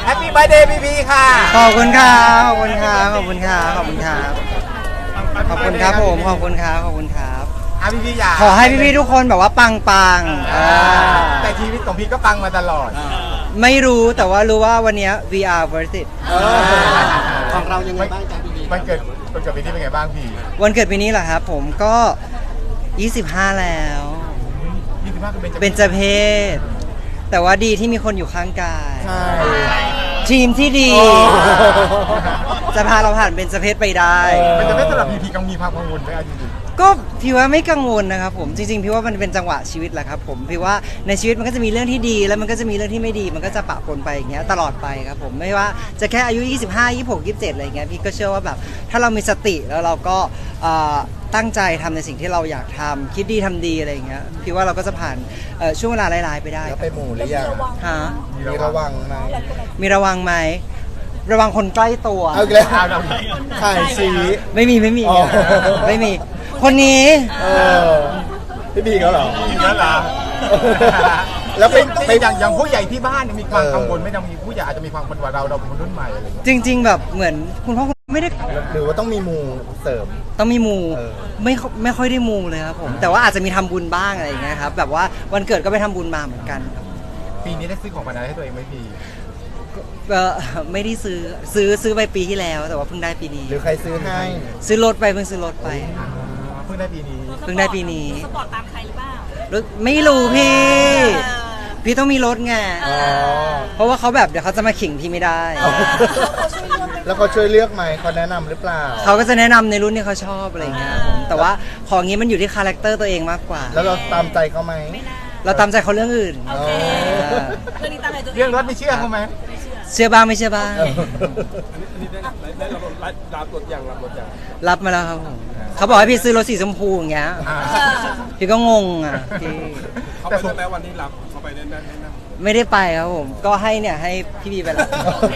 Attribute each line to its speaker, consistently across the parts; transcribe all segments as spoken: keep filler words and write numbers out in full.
Speaker 1: ฮปปี้เบิร์ดเดย์พีพีค่ะ
Speaker 2: ขอบคุณครับขอบคุณครับขอบคุณครับขอบคุณครับขอบคุณครับผมขอบคุณครับขอบคุณครับ
Speaker 1: อ่ะพี่พี่อยาก
Speaker 2: ขอให้พี่ๆทุกคนแบบว่าปังปัง
Speaker 1: แต่ชีวิตของพี่ก็ปังมาตลอด
Speaker 2: ไม่รู้แต่ว่ารู้ว่าวันนี้ วี อาร์ worth it
Speaker 3: ของเรายังไงบ้างจ๊ะพี่บี
Speaker 1: มันเกิดมันเกิดปีนี้เป็นไงบ้างพี่
Speaker 2: วันเกิดปีนี้เหรอครับผมก็ยี่สิบห้าแล้ว
Speaker 1: ยี่สิบห้าก็เป็น
Speaker 2: เป็นเจเพศแต่ว่าดีที่มีคนอยู่ข้างกาย
Speaker 1: ใช่
Speaker 2: ทีมที่ดีจะพาเราผ่านเป็นเจเพศไปได้
Speaker 1: เป็นเจเพศสำหรับพีพีกังมีความกังวลไหมจริง
Speaker 2: ก็พี่ว่าไม่กังวลนะครับผมจริงๆพี่ว่ามันเป็นจังหวะชีวิตแหละครับผมพี่ว่าในชีวิตมันก็จะมีเรื่องที่ดีแล้วมันก็จะมีเรื่องที่ไม่ดีมันก็จะปะปนไปอย่างเงี้ยตลอดไปครับผมไม่ว่าจะแค่อายุยี่สิบห้า ยี่สิบหก ยี่สิบเจ็ดอะไรเงี้ยพี่ก็เชื่อว่าแบบถ้าเรามีสติแล้วเราก็ตั้งใจทำในสิ่งที่เราอยากทำคิดดีทำดีอะไรอย่างเงี้ยพี่ว่าเราก็จะผ่านช่วงเวลาร้ายๆไปได้
Speaker 1: แล้วไปหมู่หรือยัง
Speaker 2: ฮะ
Speaker 1: มีระวังไหม
Speaker 2: มีระวังไหมระวังคนใกล้ตัว
Speaker 1: เอาอีกแล้วถ่ายสี
Speaker 2: ไม่มีไม่มีไม่มีคนนี้
Speaker 1: พี่บีเขาเหรอพี่บีเขาเหรอแล้วเป็นเป็นอย่างอย่างผู้ใหญ่ที่บ้านมีความกังวลไม่ต้องมีผู้ใหญ่อาจจะมีความกังวลว่าเราเราเป็นคนรุ่นใหม่อะไร
Speaker 2: จริงๆแบบเหมือนคุณพ่อคุณไม่ได้
Speaker 1: หรือว่าต้องมีมูเสริม
Speaker 2: ต้องมีมูไม่ไม่ค่อยได้มูเลยครับผมแต่ว่าอาจจะมีทำบุญบ้างอะไรอย่างเงี้ยครับแบบว่าวันเกิดก็ไปทำบุญมาเหมือนกัน
Speaker 1: ปีนี้ได้ซื้อของขวัญอะไรให้ตัวเองไหมพี่
Speaker 2: เออไม่ได้ซื้อซื้อซื้อไปปีที่แล้วแต่ว่าเพิ่งได้ปีนี้
Speaker 1: หรือใครซื้อให้
Speaker 2: ซื้อรถไปเพิ่งซื้อรถไป
Speaker 1: เพิ่งได้ปีนี้
Speaker 2: เพิ่งได้ปีนี้
Speaker 4: สปอร์ตตามใครหรือเปล่าร
Speaker 2: ถไม่รู้พี่พี่ต้องมีรถไงเพราะว่าเขาแบบเดี๋ยวเขาจะมาขิงพี่ไม่ได้
Speaker 1: แล้วเขาช่วยเลือกไหมเขาแนะนำหรือเปล่า
Speaker 2: เขาก็จะแนะนำในรุ่นที่เขาชอบอะไรเงี้ยผมแต่ว่าของนี้มันอยู่ที่คาแรคเตอร์ตัวเองมากกว่า
Speaker 1: แล้วเราตามใจเขาไหม
Speaker 2: เราตามใจเขาเรื่องอื่น
Speaker 4: เรื่องนี้ตามใจตัวเอง
Speaker 1: เรื่องรถไม่เชื่อเขาไหม
Speaker 2: เชื่อบ้างไม่เชื่อบ้าง
Speaker 3: ได้รับรับรถอย่างรับรถอย่าง
Speaker 2: รับมาแล้วครับผมเขาบอกให้พี่ซื้อรถสีชมพูอย่างเงี้ยพี่ก็งงอ่ะพี่
Speaker 3: เขาไปแล้ววันนี้รับเขาไปแน่นๆ
Speaker 2: ไม่ได้ไปครับผมก็ให้เนี่ยให้พี่บีไปแล้ว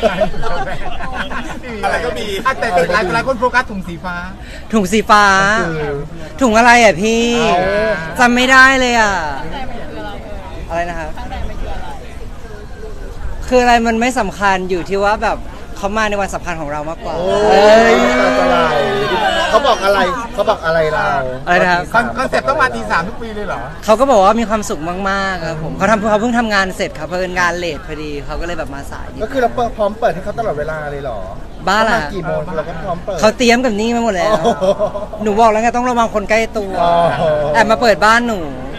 Speaker 1: อะไรก็มีแต่หลายหลายคนโฟกัสถุงสีฟ้า
Speaker 2: ถุงสีฟ้าถุงอะไรอ่ะพี่จำไม่ได้เลยอ่ะอะไรนะครับคืออะไรมันไม่สำคัญอยู่ที่ว่าแบบเขามาในวันสำคัญของเรามากกว่า
Speaker 1: เขาบอกอะไรเขาบอกอะไรเรา
Speaker 2: อะไรนะครับ
Speaker 1: คอนเซ็ปต์ต้องมาตีสามทุกปีเลยเหรอ
Speaker 2: เขาก็บอกว่ามีความสุขมากๆครับผมเขาทำเขาเพิ่งทำงานเสร็จครับเพิ่งงานเลทพอดีเขาก็เลยแบบมาสาย
Speaker 1: ก็คือเราพร้อมเปิดให้เขาตลอดเวลาเลยเหรอ
Speaker 2: บ้าล่ะ
Speaker 1: กี่โมงเราก็พร้อมเปิด
Speaker 2: เขาเตรียมกับนี่มาหมดแล้วหนูบอกแล้วไงต้องระวังคนใกล้ตัวแอบมาเปิดบ้านหนู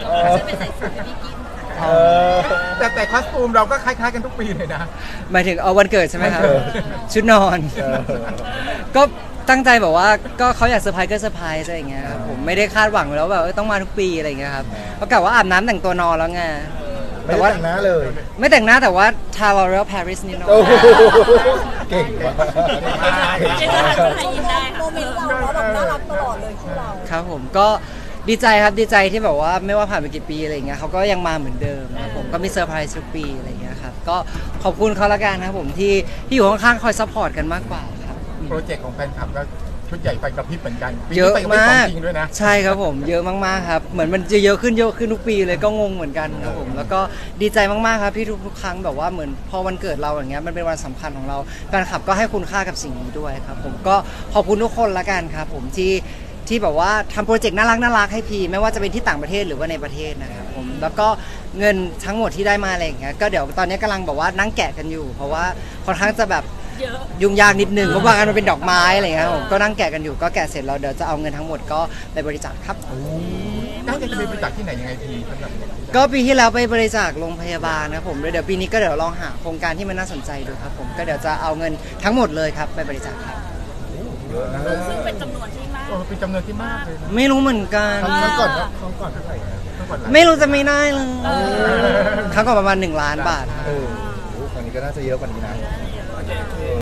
Speaker 1: แต่แต่คอสตูมเราก็คล้ายๆกันทุกปีเลยนะ
Speaker 2: หมายถึงเอาวันเกิดใช่ไหมครับชุดนอนก็ตั้งใจบอกว่าก็เขาอยากเซอร์ไพรส์ก็เซอร์ไพรส์อะไรอย่างเงี้ยครับผมไม่ได้คาดหวังแล้วแบบต้องมาทุกปีอะไรอย่างเงี้ยครับเพราะกะว่าอาบน้ำแต่งตัวนอนแล้วไง
Speaker 1: ไม่แต่งหน้าเลย
Speaker 2: ไม่แต่งหน้าแต่ว่าทาลอเรลปารีสนิดหน่อย
Speaker 1: เก่งมาก
Speaker 4: โมเมนต์เราเราแบบน่ารักตลอดเลยคู่เรา
Speaker 2: ครับผมก็ดีใจครับดีใจที่แบบว่าไม่ว่าผ่านไปกี่ปีอะไรเงี้ยเขาก็ยังมาเหมือนเดิมครับผมก็มีเซอร์ไพรส์ทุกปีอะไรเงี้ยครับก็ขอบคุณเขาละกันครับผมที่ที่อยู่ข้างๆคอยซัพพอร์ตกันมากกว่าครับ
Speaker 1: โปรเจกต์ของแฟนคลับก็ชุดใหญ่ไฟกระพริบเหมือนกัน
Speaker 2: เยอะมาก
Speaker 1: จริงด้วยนะ
Speaker 2: ใช่ครับผมเยอะมากๆครับเหมือนมันจะเยอะขึ้นเยอะขึ้นทุกปีเลยก็งงเหมือนกันครับผมแล้วก็ดีใจมากๆครับที่ทุกๆครั้งแบบว่าเหมือนพอวันเกิดเราอย่างเงี้ยมันเป็นวันสำคัญของเราแฟนคลับก็ให้คุณค่ากับสิ่งนี้ด้วยครับผมก็ขอบคุณทุกคนละกันครับผมที่ที่แบบว่าทำโปรเจกต์น่ารักน่ารักให้พีไม่ว่าจะเป็นที่ต่างประเทศหรือว่าในประเทศนะครับผมแล้วก็เงินทั้งหมดที่ได้มาอะไรอย่างเงี้ยก็เดี๋ยวตอนนี้กำลังแบบว่านั่งแกะกันอยู่เพราะว่าค่อนข้างจะแบบยุ่งยากนิดนึงเพราะว่ามันเป็นดอกไม้อะไรเงี้ยผมก็นั่งแกะกันอยู่ก็แกะเสร็จแล้วเดี๋ยวจะเอาเงินทั้งหมดก็ไปบริจาคครับ
Speaker 1: น่าจะไปบริจาคที่ไหนยังไงพี
Speaker 2: ก็ปีที่แล้วไปบริจาคโรงพยาบาลนะครับผมเดี๋ยวปีนี้ก็เดี๋ยวลองหาโครงการที่มันน่าสนใจดูครับผมก็เดี๋ยวจะเอาเงินทั้งหมดเลยครับไปบริจาคครับ
Speaker 4: ซึ่งเป็นจำนวนที่มาก
Speaker 1: เป็นจำนวนที่มากเลย
Speaker 2: ไม่รู้เหมือนกัน
Speaker 1: ครั้งก่อนครั้งก่อนเท่าไหร่
Speaker 2: ไม่รู้จะไม่ได้เลยครั้งก่อนประมาณหนึ่งล้านบาท
Speaker 1: เออครั้งนี้ก็น่าจะเยอะกว่านี้นะ